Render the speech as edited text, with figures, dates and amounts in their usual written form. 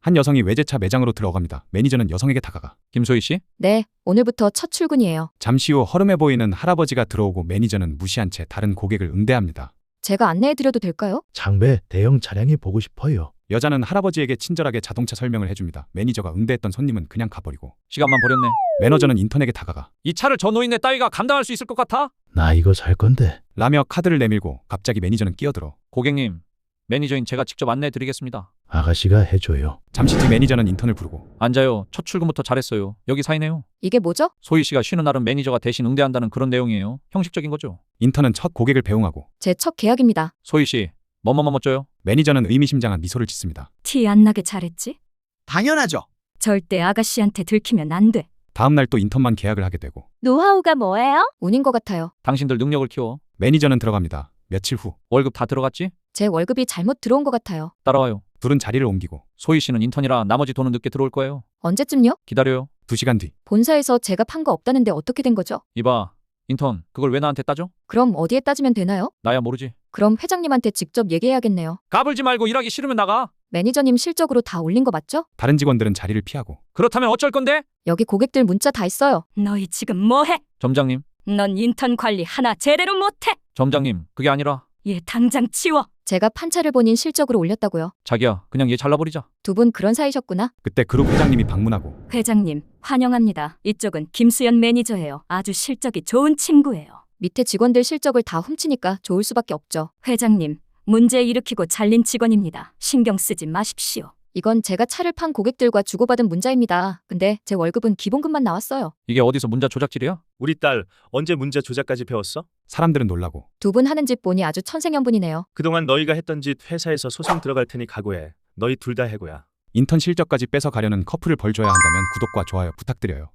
한 여성이 외제차 매장으로 들어갑니다. 매니저는 여성에게 다가가 김소희 씨? 네, 오늘부터 첫 출근이에요. 잠시 후 허름해 보이는 할아버지가 들어오고 매니저는 무시한 채 다른 고객을 응대합니다. 제가 안내해드려도 될까요? 장배 대형 차량이 보고 싶어요. 여자는 할아버지에게 친절하게 자동차 설명을 해줍니다. 매니저가 응대했던 손님은 그냥 가버리고 시간만 버렸네. 매니저는 인턴에게 다가가 이 차를 저 노인네 따위가 감당할 수 있을 것 같아? 나 이거 살 건데. 라며 카드를 내밀고 갑자기 매니저는 끼어들어 고객님, 매니저인 제가 직접 안내해 드리겠습니다. 아가씨가 해줘요. 잠시 뒤 매니저는 인턴을 부르고 앉아요. 첫 출근부터 잘했어요. 여기 사이네요. 이게 뭐죠? 소희 씨가 쉬는 날은 매니저가 대신 응대한다는 그런 내용이에요. 형식적인 거죠. 인턴은 첫 고객을 배웅하고 제 첫 계약입니다. 소희 씨, 뭐뭐뭐 쪄요? 매니저는 의미심장한 미소를 짓습니다. 티 안 나게 잘했지? 당연하죠. 절대 아가씨한테 들키면 안 돼. 다음 날 또 인턴만 계약을 하게 되고 노하우가 뭐예요? 운인 것 같아요. 당신들 능력을 키워. 매니저는 들어갑니다. 며칠 후 월급 다 들어갔지? 제 월급이 잘못 들어온 것 같아요. 따라와요. 둘은 자리를 옮기고 소희 씨는 인턴이라 나머지 돈은 늦게 들어올 거예요. 언제쯤요? 기다려요. 2시간 뒤 본사에서 제가 판 거 없다는데 어떻게 된 거죠? 이봐, 인턴, 그걸 왜 나한테 따져? 그럼 어디에 따지면 되나요? 나야 모르지. 그럼 회장님한테 직접 얘기해야겠네요. 까불지 말고 일하기 싫으면 나가. 매니저님 실적으로 다 올린 거 맞죠? 다른 직원들은 자리를 피하고 그렇다면 어쩔 건데? 여기 고객들 문자 다 있어요. 너희 지금 뭐해? 점장님, 넌 인턴 관리 하나 제대로 못해. 점장님, 그게 아니라 얘 당장 치워. 제가 판차를 본인 실적으로 올렸다고요. 자기야, 그냥 얘 잘라버리자. 두 분 그런 사이셨구나. 그때 그룹 회장님이 방문하고 회장님, 환영합니다. 이쪽은 김수연 매니저예요. 아주 실적이 좋은 친구예요. 밑에 직원들 실적을 다 훔치니까 좋을 수밖에 없죠. 회장님, 문제 일으키고 잘린 직원입니다. 신경 쓰지 마십시오. 이건 제가 차를 판 고객들과 주고받은 문자입니다. 근데 제 월급은 기본급만 나왔어요. 이게 어디서 문자 조작질이야? 우리 딸 언제 문자 조작까지 배웠어? 사람들은 놀라고 두 분 하는 짓 보니 아주 천생연분이네요. 그동안 너희가 했던 짓 회사에서 소송 들어갈 테니 각오해. 너희 둘 다 해고야. 인턴 실적까지 뺏어 가려는 커플을 벌 줘야 한다면 구독과 좋아요 부탁드려요.